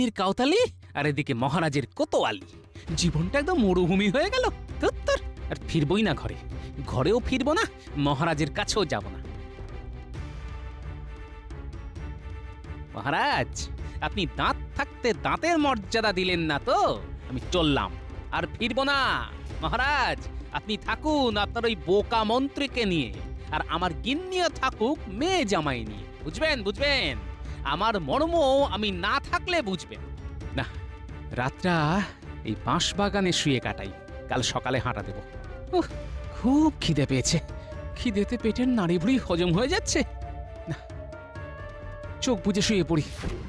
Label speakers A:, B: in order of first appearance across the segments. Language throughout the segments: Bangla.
A: কাউতালি আর এদিকে মহারাজের কোতোয়ালি। জীবনটা একদম মরুভূমি হয়ে গেল। ধুত্তর, আর ফিরবই না ঘরে, ঘরেও ফিরবো না, মহারাজের কাছেও যাব না। মহারাজ, আপনি দাঁত থাকতে দাঁতের মর্যাদা দিলেন না তো, আমি চললাম, আর ফিরবো না। মহারাজ, আপনি থাকুন আপনার ওই বোকা মন্ত্রীকে নিয়ে, আর আমার গিন্নিও থাকুক মেয়ে জামাই নিয়ে। বুঝবেন বুঝবেন, আমার মর্ম আমি না থাকলে বুঝবেন না। রাতটা এই বাঁশ বাগানে শুয়ে কাটাই, কাল সকালে হাঁটা দেব। উহ, খুব খিদে পেয়েছে, খিদেতে পেটের নাড়িভুড়ি হজম হয়ে যাচ্ছে না। চোখ বুজে শুয়ে পড়ি।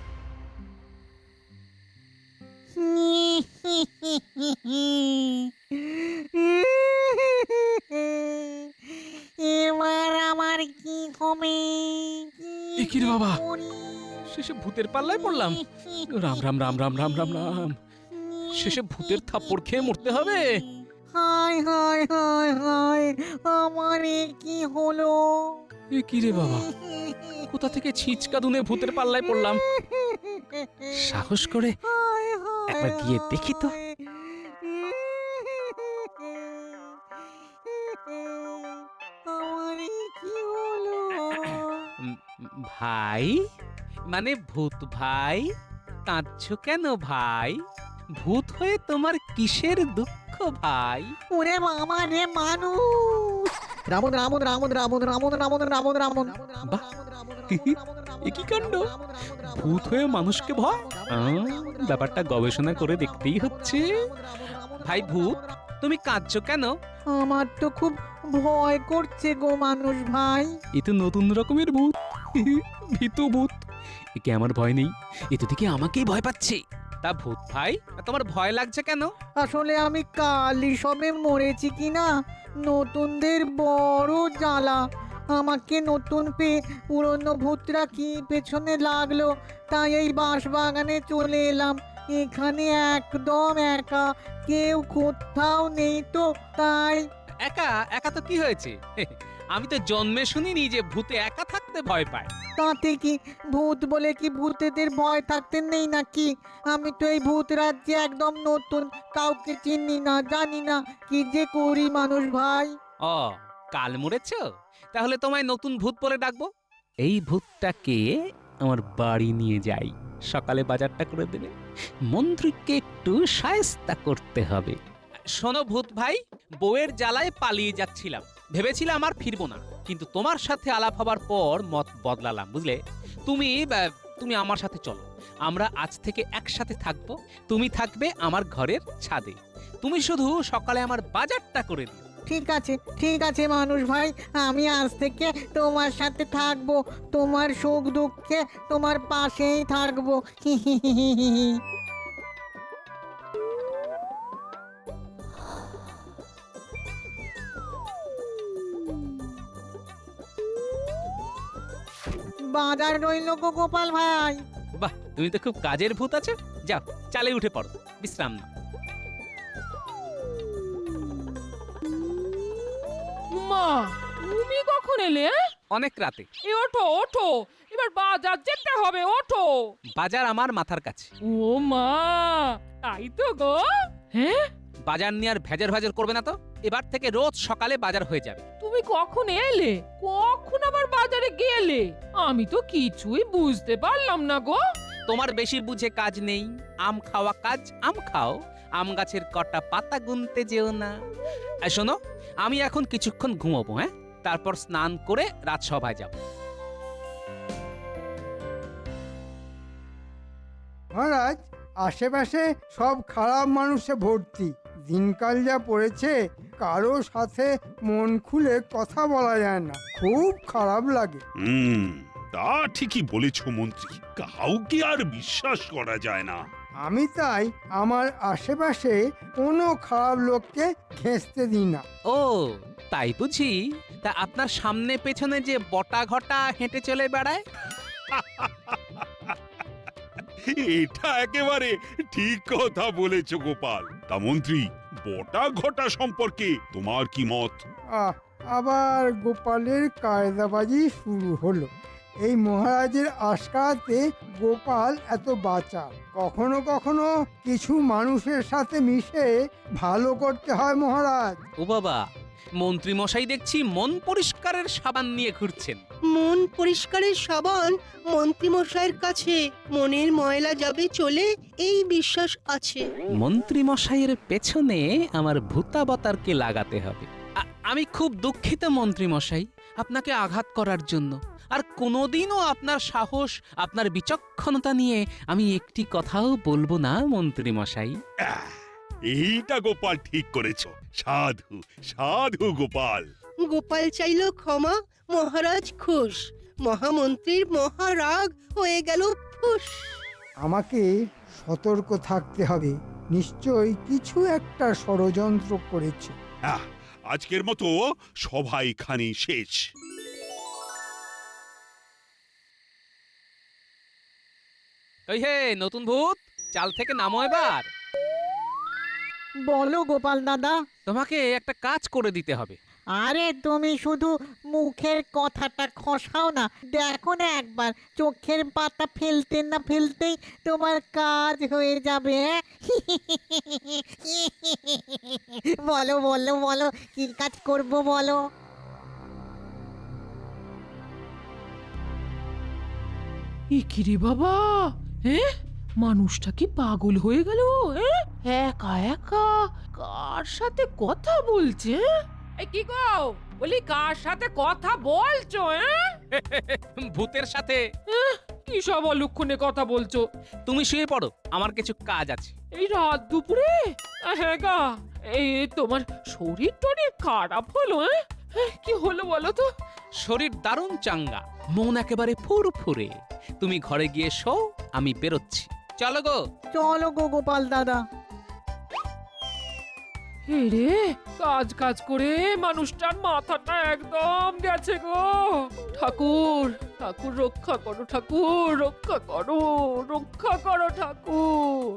B: এবার আমার কি হবে?
A: এ কি রে বাবা, শেষে ভূতের পাল্লায় পড়লাম। রাম রাম রাম রাম রাম রাম রাম, শেষে ভূতের থাপ্পড় খেয়ে মরতে হবে।
B: হায় হায় হায় হায়, আমার এ কি হলো?
A: এ কি রে বাবা, কোথা থেকে ছিচকা দুনে ভূতের পাল্লায় পড়লাম? সাহস করে
B: হায় হায়
A: একবার গিয়ে দেখি তো।
B: আমার এ কি হলো?
A: উম, ভাই, মানে ভূত ভাই, কাঁদছো কেন ভাই? ভূত হয়ে তোমার কিসের দুঃখ ভাই?
B: ওরে বাবা রে, মানুষ! রামন রামন রামন রামন রামন রামন রামন রামন।
A: বাহ, এ কি কাণ্ড! ভূত হয়ে মানুষকে ভয়? ব্যাপারটা গবেষণা করে দেখতেই হচ্ছে। ভাই ভূত, তুমি কাঁদছো কেন?
B: আমার তো খুব ভয় করছে গো মানুষ ভাই।
A: এ তো নতুন রকমের ভূত, ভীতু ভূত। একে আমার ভয় নেই, এ তো দিকে আমাকেই ভয় পাচ্ছে। তা ভূত ভাই, তোমার ভয় লাগছে কেন?
B: আসলে আমি কালই সবে মরেছি কিনা, নতুনদের বড় জ্বালা। আমাকে নতুন পেয়ে পুরনো ভূতরা কি পেছনে লাগলো, তাই এই বাঁশ বাগানে চলে এলাম। এখানে একদম একা, কেউ কোথাও নেই তো, তাই।
A: একা একা তো কি হয়েছে? আমি তো জন্মে শুনিনি যে ভূতে একা থাকতে ভয় পায়।
B: তাতে কি, ভূত বলে কি ভূতেদের ভয় থাকতে নেই নাকি? আমি তো এই ভূত রাজ্যে একদম নতুন, কাউকে চিনি না, জানি না, কি যে করি মানুষ ভাই।
A: ও, কাল মরেছো? তাহলে তোমায় নতুন ভূত বলে ডাকবো। এই ভূতটাকে আমার বাড়ি নিয়ে যাই, সকালে বাজারটা করে দেবে। মন্ত্রীকে একটু শায়েস্তা করতে হবে। শোনো ভূত ভাই, বউয়ের জ্বালায় পালিয়ে যাচ্ছিলাম, ভেবেছিলাম আর ফিরবো না, কিন্তু তোমার সাথে আলাপ হবার পর মত বদলালাম, বুঝলে? তুমি আমার সাথে চলো, আমরা আজ থেকে একসাথে থাকবো। তুমি থাকবে আমার ঘরের ছাদে, তুমি শুধু সকালে আমার বাজারটা করে দিও।
B: ঠিক আছে মানুষ ভাই, আমি আজ থেকে তোমার সাথে থাকবো, তোমার সুখ দুঃখে তোমার পাশেই থাকবো। বাজার রইল গো গোপাল ভাই।
A: বাহ, তুমি তো খুব কাজের ভূত আছো। যাও, চালে উঠে পড়ো, বিশ্রাম নাও।
C: মা, তুমি কখন এলে?
A: অনেক রাতে।
C: ওঠো ওঠো, এবার বাজার যেতে হবে, ওঠো।
A: বাজার আমার মাথার কাছে।
C: ও মা, তাই তো গো। হ্যাঁ,
A: বাজার নিয়ে আর ভেজার ভেজার করবে না তো। এবার থেকে রোজ সকালে বাজার হয়ে যাবে।
C: তুমি কখন এলে, কখন আবার বাজারে গেলে? আমি তো কিছুই বুঝতে পারলাম না গো।
A: তোমার বেশি বুঝে কাজ নেই, আম খাওয়া কাজ, আম খাও, আম গাছের কটা পাতা গুনতে যেও না। আর শোনো, আমি এখন কিছুক্ষণ ঘুমাবো, হ্যাঁ? তারপর স্নান করে রাজসভায় যাব।
D: মহারাজ, আশেপাশে সব খারাপ মানুষে ভর্তি। দিনকাল যা পড়েছে, কারো সাথে মন খুলে কথা বলা যায় না, খুব খারাপ লাগে।
E: তা ঠিকই বলেছ মন্ত্রী, কাউকে আর বিশ্বাস করা যায় না।
D: আমি তাই আমার আশেপাশে কোনো খারাপ লোককে ঘেঁষতে দিই না।
A: ও, তাই বুঝি? তা আপনার সামনে পেছনে যে বটা ঘটা হেঁটে চলে বেড়ায়?
E: এটা একেবারে ঠিক কথা বলেছ গোপাল। তা মন্ত্রী, বটা ঘটা সম্পর্কে তোমার কি মত?
D: আবার গোপালের কায়দাবাজি শুরু হলো। এই মহারাজের আশকারাতে গোপাল এত বাঁচা। কখনো কখনো কিছু মানুষের সাথে মিশে ভালো করতে হয় মহারাজ।
A: ও বাবা, মন্ত্রী মশাই দেখছি মন পরিষ্কারের সাবান নিয়ে ঘুরছেন।
F: মন পরিষ্কারের সাবান মন্ত্রীমশাইয়ের কাছে মনের ময়লা যাবে চলে, এই বিশ্বাস আছে।
A: মন্ত্রী মশাইয়ের পেছনে আমার ভূতাবতারকে লাগাতে হবে। আমি খুব দুঃখিত মন্ত্রী মশাই, আপনাকে আঘাত করার জন্য। আর কোনোদিনও আপনার সাহস, আপনার বিচক্ষণতা নিয়ে আমি একটি কথাও বলবো না মন্ত্রী মশাই।
E: এইটা গোপাল ঠিক করেছ। সাধু সাধু গোপাল।
F: গোপাল চাইল ক্ষমা, মহারাজ খুশ। মহামন্ত্রীর মহারাগ হয়ে গেল ফুস।
D: আমাকে সতর্ক থাকতে হবে, নিশ্চয়ই কিছু একটা ষড়যন্ত্র করেছে।
E: আজকের মতো সভা এখানেই শেষ।
A: ওই হে নতুন ভূত, চাল থেকে নামো এবার।
B: বলো গোপাল দাদা।
A: তোমাকে একটা কাজ করে দিতে হবে।
B: আরে তুমি শুধু মুখের কথাটা খসাও না, দেখো না একবার চোখের পাতা ফেলতে না ফেলতেই তোমার কাজ হয়ে যাবে। বলো বলো বলো, কি কাজ করব বলো।
C: ইকিরে বাবা, হ্যাঁ মানুষটা কি পাগল হয়ে গেল? একা একা কার সাথে কথা বলছে? এই কি গো, বলি কার সাথে কথা বলছো?
A: ভূতের সাথে।
C: কি সব অলক্ষণে কথা বলছো?
A: তুমি শুয়ে পড়ো, আমার কিছু কাজ আছে।
C: এই রাত দুপুরে? হ্যাঁ গা, এই তোমার শরীর টরীর খারাপ হলো? কি হলো বলো তো?
A: শরীর দারুণ চাঙ্গা, মন একেবারে ফুরফুরে। তুমি ঘরে গিয়ে শো, আমি বেরোচ্ছি। চলো গো।
B: চলো গো গোপাল দাদা।
C: রে কাজ কাজ করে মানুষটার মাথাটা একদম গেছে গো। ঠাকুর ঠাকুর রক্ষা করো, ঠাকুর রক্ষা করো, রক্ষা করো ঠাকুর।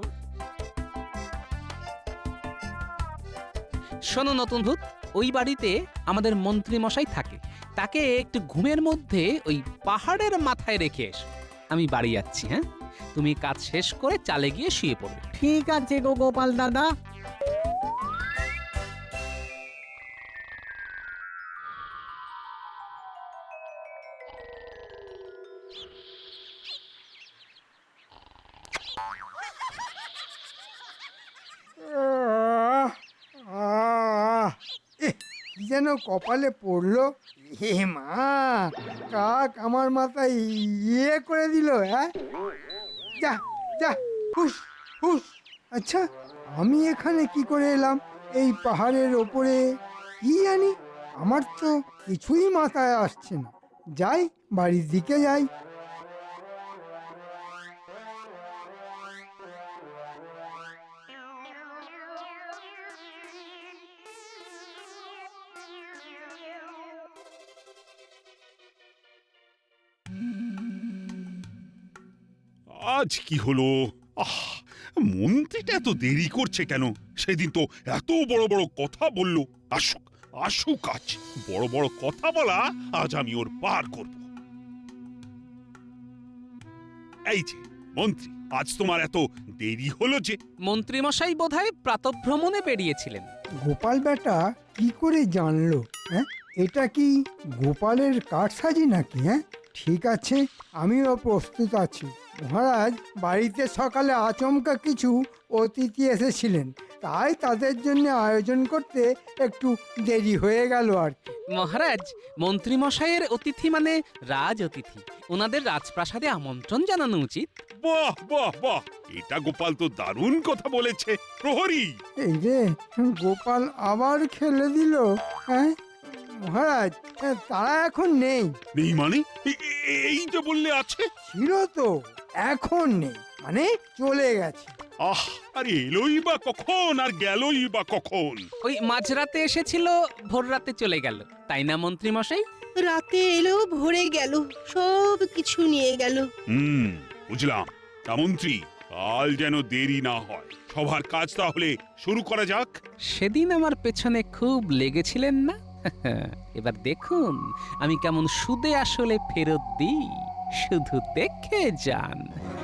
A: শোনো নতুন ভূত, ওই বাড়িতে আমাদের মন্ত্রী মশাই থাকে। তাকে একটু ঘুমের মধ্যে ওই পাহাড়ের মাথায় রেখে এসো। আমি বাড়ি যাচ্ছি। হ্যাঁ, তুমি কাজ শেষ করে চালে গিয়ে শুয়ে পড়বে।
B: ঠিক আছে গো গোপাল দাদা।
D: কি যেন কপালে পড়লো। হে মা, কাক আমার মাথায় ইয়ে করে দিল। হ্যাঁ, যা যা, হুস হুস। আচ্ছা, আমি এখানে কি করে এলাম এই পাহাড়ের ওপরে? কি জানি, আমার তো কিছুই মাথায় আসছে না। যাই, বাড়ির দিকে যাই।
E: আজ কি হলো? মন্ত্রীটা এত দেরি করছে কেন? সেদিন তো এত বড় বড় কথা বলল। আসুক আসুক, আজ বড় বড় কথা বলা আজ আমি ওর পার করব। এই যে মন্ত্রী, আজ তোমার এত দেরি হলো যে?
A: মন্ত্রী মশাই বোধহয় প্রাতঃভ্রমণে বেরিয়েছিলেন।
D: গোপাল বেটা কি করে জানলো? হ্যাঁ, এটা কি গোপালের কারসাজি নাকি? হ্যাঁ, ঠিক আছে, আমিও প্রস্তুত আছি। মহারাজ, বাড়িতে সকালে আচমকা কিছু অতিথি এসেছিলেন, তাই তাদের জন্য আয়োজন করতে একটু দেরি হয়ে গেল আর কি।
A: মহারাজ, মন্ত্রী মশাইয়ের অতিথি মানে রাজ অতিথি, ওনাদের রাজপ্রাসাদে আমন্ত্রণ জানানো উচিত।
E: বাহ বাহ বাহ, এটা গোপাল তো দারুণ কথা বলেছে। প্রহরী!
D: এই যে গোপাল আবার খেলে দিল। হ্যাঁ মহারাজ, তারা এখন নেই।
E: নেই মানে? এই যে বললে আছে।
D: ছিল তো, এখন নেই, মানে চলে গেছে।
E: আর এলোই বা কখন আর গেলই বা কখন?
A: ওই মাঝরাতে এসেছিল, ভোর রাতে চলে গেল, তাই না মন্ত্রী মশাই?
F: রাতে এলো, ভরে গেল, সব কিছু নিয়ে গেল।
E: বুঝলাম। তা মন্ত্রী, কাল যেন দেরি না হয়। সবার কাজ তাহলে শুরু করা যাক।
A: সেদিন আমার পেছনে খুব লেগেছিলেন না? এবার দেখুন আমি কেমন সুদে আসলে ফেরত দিই। শুধু দেখে যান।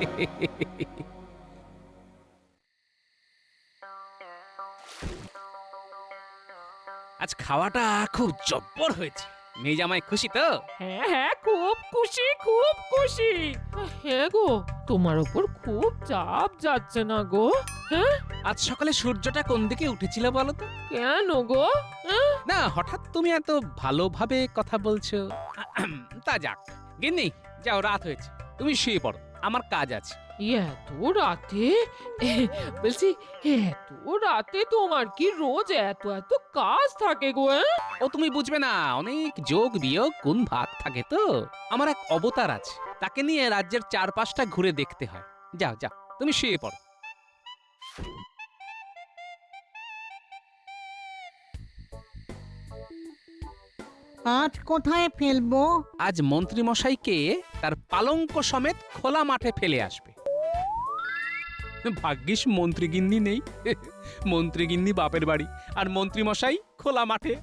A: আজ খাওয়াটা খুব জব্বর হয়েছে। মেয়ে জামাই খুশি তো?
C: হ্যাঁ হ্যাঁ, খুব খুশি, খুব খুশি। হ্যাঁ গো, তোমার ওপর খুব চাপ যাচ্ছে না গো? হ্যাঁ,
A: আজ সকালে সূর্যটা কোন দিকে উঠেছিল বলো তো?
C: কেন গো? হ্যাঁ?
A: না, হঠাৎ তুমি এত ভালোভাবে কথা বলছো। তা যাক, গিন্নি যাও, রাত হয়েছে, তুমি শুয়ে পড়ো, আমার কাজ আছে।
C: এত রাতে? বলছি, এত রাতে তোমার কি রোজ এত এত কাজ থাকে গো? হ্যাঁ?
A: ও তুমি বুঝবে না, অনেক যোগ বিয়োগ গুণ ভাগ থাকে তো। আমার এক অবতার আছে, তাকে নিয়ে রাজ্যের চারপাশটা ঘুরে দেখতে হয়। যাও যাও, তুমি শুয়ে পড়ো।
B: আজ কোথায় ফেলবো?
A: আজ মন্ত্রী মশাইকে তার পালঙ্ক সমেত খোলা মাঠে ফেলে আসবে। ভাগ্যিস মন্ত্রী গিন্নি নেই। মন্ত্রী গিন্নি বাপের বাড়ি, আর মন্ত্রী মশাই খোলা মাঠে।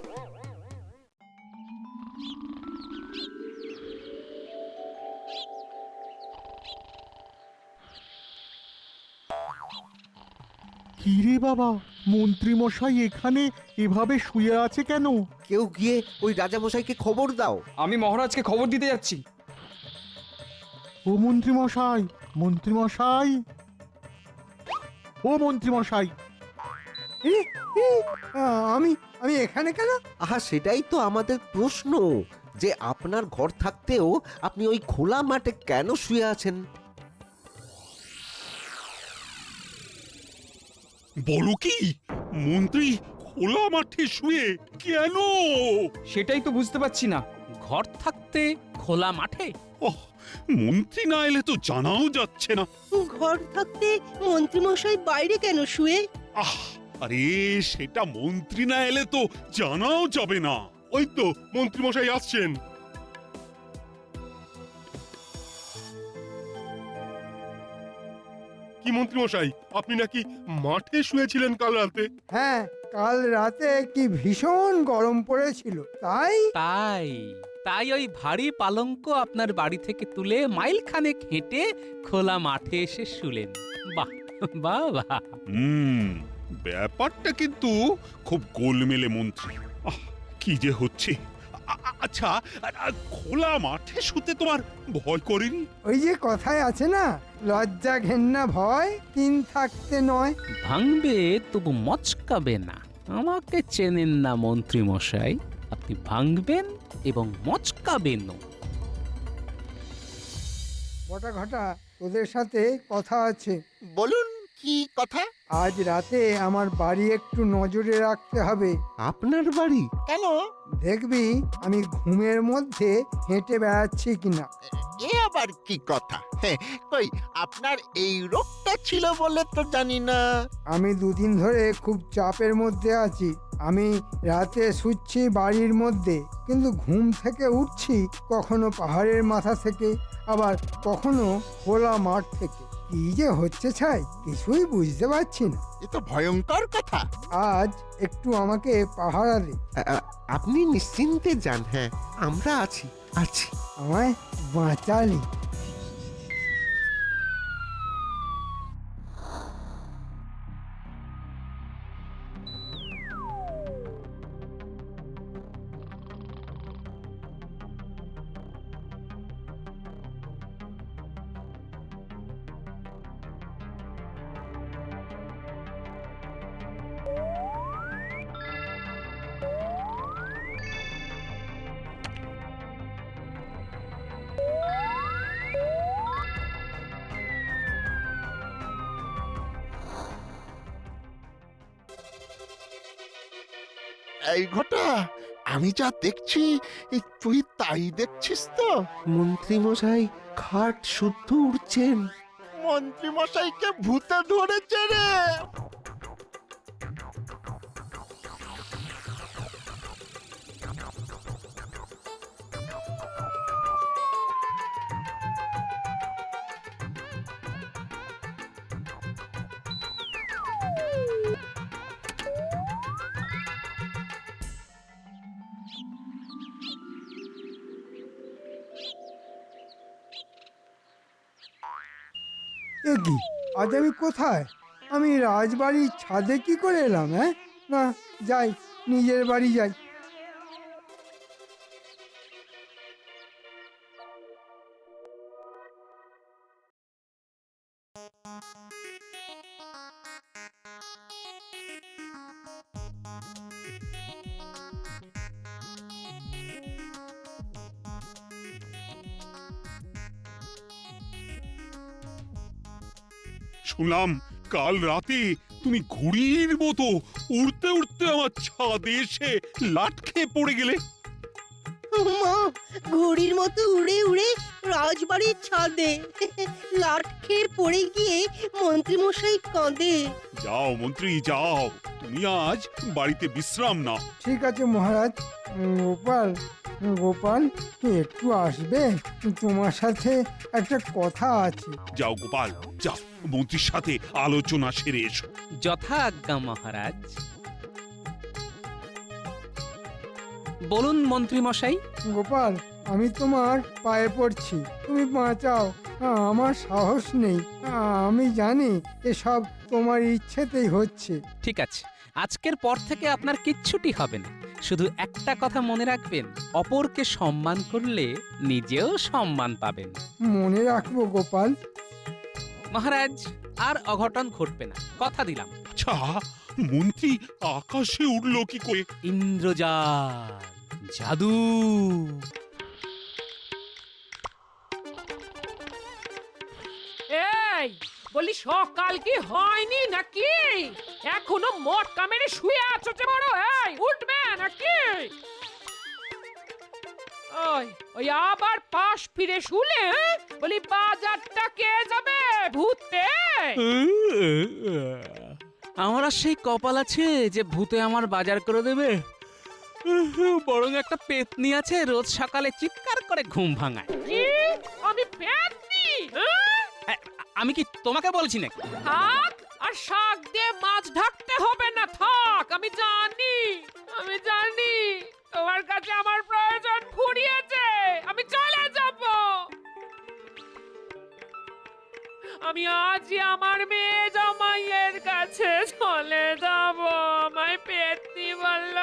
G: কিরে বাবা, মন্ত্রী মশাই এখানে এভাবে শুয়ে আছে কেন?
H: কেউ গিয়ে ওই রাজামশাইকে খবর দাও।
I: আমি মহারাজকে খবর দিতে যাচ্ছি।
G: ও মন্ত্রী মশাই, মন্ত্রী মশাই, ও মন্ত্রী মশাই।
D: এ, এ, আমি আমি এখানে কেন?
H: আহা, সেটাই তো আমাদের প্রশ্ন, যে আপনার ঘর থাকতেও আপনি ওই খোলা মাঠে কেন শুয়ে আছেন?
E: বলো কি, মন্ত্রী খোলা মাঠে শুয়ে কেন?
I: সেটাই তো বুঝতে পারছি না।
A: ঘর থাকতে খোলা মাঠে?
E: ওহ, মন্ত্রী না এলে তো জানাও যাচ্ছে না।
F: ঘর থাকতে মন্ত্রীমশাই বাইরে কেন শুয়ে?
E: আহ, আরে সেটা মন্ত্রী না এলে তো জানাও যাবে না।
J: ওই তো মন্ত্রী মশাই আসছেন। কি মন্ত্রী মশাই, আপনি নাকি মাঠে শুয়েছিলেন কাল রাতে?
D: হ্যাঁ, কাল রাতে কি ভীষণ গরম পড়েছিল, তাই
A: তাই তাই ওই ভারী পালঙ্ক আপনার বাড়ি থেকে তুলে মাইল খানেক হেঁটে খোলা মাঠে এসে শুলেন। বাহ বাহ বাহ।
E: ব্যাপারটা কিন্তু খুব গোলমেলে মন্ত্রী। আহ, কি যে হচ্ছে। আচ্ছা, খোলা মাঠে শুতে তোমার ভয় করেনি?
D: ওই যে কথায় আছে না, লজ্জা ঘেন্না ভয় তিন থাকতে নয়।
A: ভাঙবে তবু মচকাবে না। আমাকে চেনেন না মন্ত্রী মশাই, আপনি ভাঙবেন এবং মচকাবেন।
D: বটা ঘটা, তোদের সাথে কথা আছে।
H: বলুন, কি কথা?
D: আজ রাতে আমার বাড়ি একটু নজরে রাখতে হবে।
H: আপনার বাড়ি? কেন?
D: দেখবি আমি ঘুমের মধ্যে হেঁটে বেড়াচ্ছি কিনা।
K: এ আবার কি কথা? কই, আপনার এই রোগটা ছিল বলে তো জানি না।
D: আমি দুদিন ধরে খুব চাপের মধ্যে আছি। আমি রাতে শুচ্ছি বাড়ির মধ্যে, কিন্তু ঘুম থেকে উঠছি কখনো পাহাড়ের মাথা থেকে, আবার কখনো খোলা মাঠ থেকে। কি যে হচ্ছে ছাই, কিছুই বুঝতে পারছি না।
K: এ তো ভয়ঙ্কর কথা।
D: আজ একটু আমাকে পাহারা দে।
H: আপনি নিশ্চিন্তে যান। হ্যাঁ, আমরা আছি আছি।
D: আমায় বাঁচালি।
K: এই ঘটা, আমি যা দেখছি তুই তাই দেখছিস তো?
H: মন্ত্রী মশাই খাট শুদ্ধ উঠছেন।
K: মন্ত্রী মশাইকে ভূতে ধরেছে রে।
D: কি, আজ আমি কোথায়? আমি রাজবাড়ির ছাদে কি করে এলাম? হ্যাঁ, না, যাই, নিজের বাড়ি যাই।
E: শুনলাম কাল রাতে তুমি ঘুড়ির মতো উড়তে উড়তে আমার ছাদে এসে লাট খেয়ে পড়ে গেলে।
F: মা, ঘড়ির মতো উড়ে উড়ে রাজবাড়ির ছাদে লাট খেয়ে পড়ে গিয়ে মন্ত্রীমশাই কাঁদে।
E: যাও মন্ত্রী যাও, তুমি আজ বাড়িতে বিশ্রাম নাও।
D: ঠিক আছে মহারাজ। গোপাল, গোপাল, একটু আসবে? তোমার সাথে একটা কথা আছে।
E: যাও গোপাল যাও, মন্ত্রীর সাথে আলোচনা সেরে এসো।
A: যথা আজ্ঞা মহারাজ। বলুন মন্ত্রী মশাই।
D: গোপাল, আমি তোমার পায়ে পড়ছি, তুমি বাঁচাও। আমার সাহস নেই। আমি জানি এসব তোমার ইচ্ছেতেই হচ্ছে।
A: ঠিক আছে, আজকের পর থেকে আপনার কিচ্ছুটি হবে না। শুধু একটা কথা মনে রাখবেন, অপরকে সম্মান করলে নিজেও সম্মান পাবেন।
D: মনে রাখবো গোপাল।
A: মহারাজ, আর অঘটন ঘটবে না, কথা দিলাম।
E: আচ্ছা, মন্ত্রী আকাশে উঠলো কি করে?
A: ইন্দ্রজাল, জাদু।
C: এই বলি, সকাল কি হয়নি নাকি? এখনো মটকা মেরে শুয়ে আছো যে বড়? এই উঠবে নাকি? ওই ওই আবার পাশ ফিরে শুলে, হ্যাঁ? বলি বাজারটা কে যাবে ভূতে?
A: আমার আর সেই কপাল আছে যে ভূতে আমার বাজার করে দেবে? বরং একটা পেতনি আছে, রোজ সকালে চিৎকার করে ঘুম ভাঙায়।
C: কি? আমি পেতনি?
A: আমি কি তোমাকে বলছি নাকি?
C: থাক, আর শাক দিয়ে মাছ ঢাকতে হবে না, থাক। আমি জানি তোমার কাছে আমার প্রয়োজন ফুরিয়েছে। আমি চলে যাব। আমি আজই আমার মেয়ে জামাইয়ের কাছে চলে যাব। আমায় পেতনি বলল।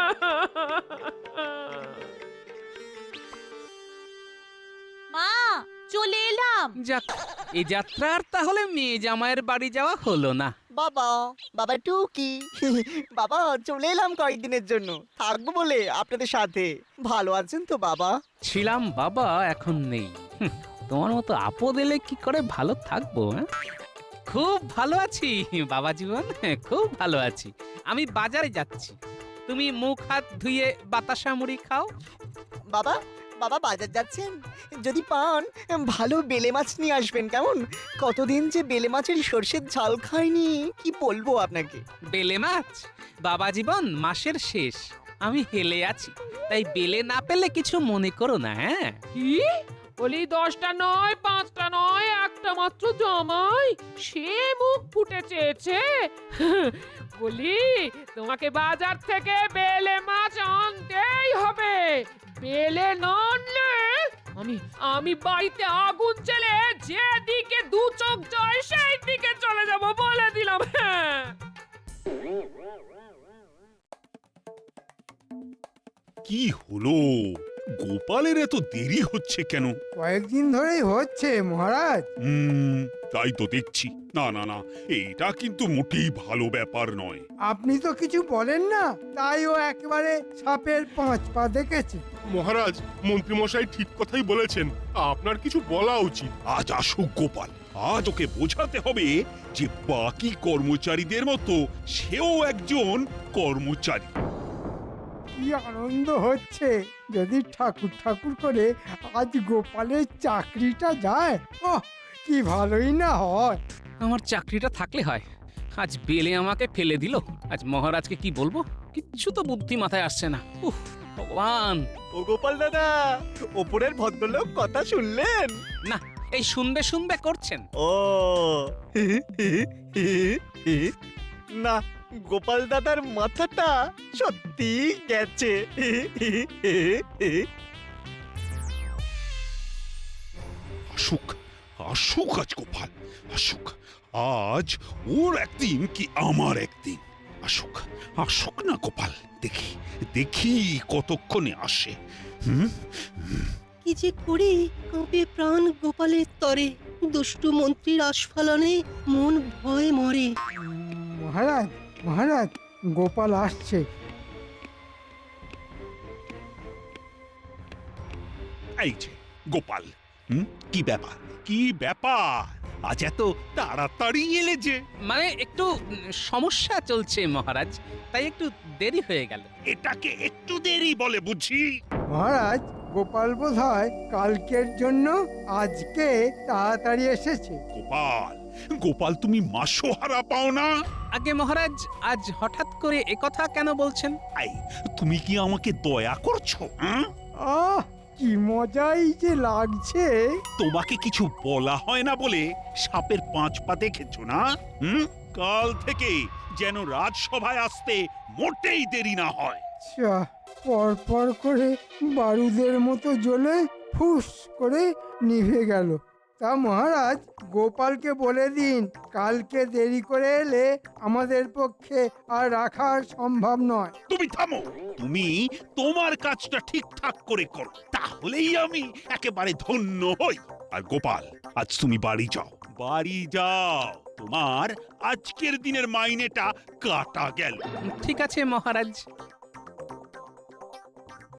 L: মা, চলে এলাম।
A: যাক, এই যাত্রার তাহলে মেয়ে জামাইয়ের বাড়ি যাওয়া হলো না।
M: বাবা, বাবা টুকি, বাবা চলে এলাম কয়েকদিনের জন্য, থাকবো বলে আপনাদের সাথে। ভালো আছেন তো বাবা?
A: ছিলাম বাবা, এখন নেই। তোমার মতো আপদ এলে কি করে ভালো থাকবো? খুব ভালো আছি বাবা জীবন, খুব ভালো আছি। আমি বাজারে যাচ্ছি, তুমি মুখ হাত ধুয়ে বাতাসা মুড়ি খাও।
M: বাবা, বাবা বাজার যাচ্ছেন? যদি পান ভালো বেলে মাছ নিয়ে আসবেন, কেমন? কতদিন যে বেলে মাছের সর্ষের ঝাল খাইনি, কি বলবো আপনাকে।
A: বেলে মাছ? বাবা জীবন, মাসের শেষ, আমি হেলে আছি, তাই বেলে না পেলে কিছু মনে করো না। হ্যাঁ,
C: কি বলি, 10টা নয়, 5টা নয়, একটা মাত্র জামাই, সে মুখ ফুটে চেয়েছে। বলি, তোমাকে বাজার থেকে বেলে মাছ আনতেই হবে। বেলে না আনলে আমি বাড়িতে আগুন জ্বেলে যেদিকে দু চোখ যায় সেই দিকে চলে যাব, বলে দিলাম। হ্যাঁ,
E: কি হলো? গোপালের এত দেরি হচ্ছে কেন?
D: কয়েকদিন ধরেই হচ্ছে মহারাজ।
E: তাই তো দেখছি। না না না, এটা কিন্তু মোটেই ভালো ব্যাপার নয়।
D: আপনি তো কিছু বলেন না, তাই ও একেবারে সাপের 5 পা দেখেছে।
J: মহারাজ, মন্ত্রীমশাই ঠিক কথাই বলেছেন, আপনার কিছু বলা উচিত।
E: আজ আসুক গোপাল, আজ ওকে বোঝাতে হবে যে বাকি কর্মচারীদের মতো সেও একজন কর্মচারী।
D: কি আনন্দ হচ্ছে! যদি ঠাকুর ঠাকুর করে আজ গোপালের চাকরিটা যায়, ওহ কি ভালোই না হয়।
A: আমার চাকরিটা থাকলে হয়। আজ বেলে আমাকে ফেলে দিল, আজ মহারাজকে কি বলবো? কিচ্ছু তো বুদ্ধি মাথায় আসছে না। উফ ভগবান!
M: ও গোপাল দাদা, ওপরের ভদ্রলোক কথা শুনলেন?
A: না, এই শুনবে শুনবে করছেন।
M: ও না, গোপাল দাদার মাথাটা সত্যি গেছে।
E: আসুক, আসুক আজ গোপাল, আসুক। আজ ওর একদিন কি আমার একদিন। আসুক, আসুক না গোপাল, দেখি দেখি কতক্ষণে আসে।
F: কি যে করি, কাঁপে প্রাণ গোপালের তরে, দুষ্টু মন্ত্রীর আস্ফালনে মন ভয়ে মরে।
D: মহারাজ, মহারাজ, গোপাল আসছে।
E: এই যে গোপাল, কি ব্যাপার, কি ব্যাপার? আজ এত তাড়াতাড়ি এলে যে?
A: মানে একটু সমস্যা চলছে মহারাজ, তাই একটু দেরি হয়ে গেল।
E: এটাকে একটু দেরি বলে বুঝি?
D: মহারাজ, গোপাল বোধহয় কালকের জন্য আজকে তাড়াতাড়ি এসেছে।
E: গোপাল, গোপাল তুমি মাসোহারা পাও না?
A: আগে মহারাজ, আজ হঠাৎ করে একথা কেন বলছেন?
E: এই, তুমি কি আমাকে দয়া করছো?
D: আহ, কি মজাই যে লাগছে।
E: তোমাকে কিছু বলা হয় না বলে সাপের 5 পা দেখেছো না? কাল থেকে যেন রাজসভায় আসতে মোটেই দেরি না হয়।
D: পর পর করে বারুদের মতো জ্বলে ফুস করে নিভে গেল। তা মহারাজ, গোপালকে বলে দিন কালকে দেরি করে এলে আমাদের পক্ষে আর রাখা সম্ভব নয়।
E: তুমি থামো, তুমি তোমার কাজটা ঠিকঠাক করে করো, তাহলেই আমি একেবারে ধন্য হই। আর গোপাল, আজ তুমি বাড়ি যাও, বাড়ি যাও। তোমার আজকের দিনের মাইনেটা কাটা গেল।
A: ঠিক আছে মহারাজ।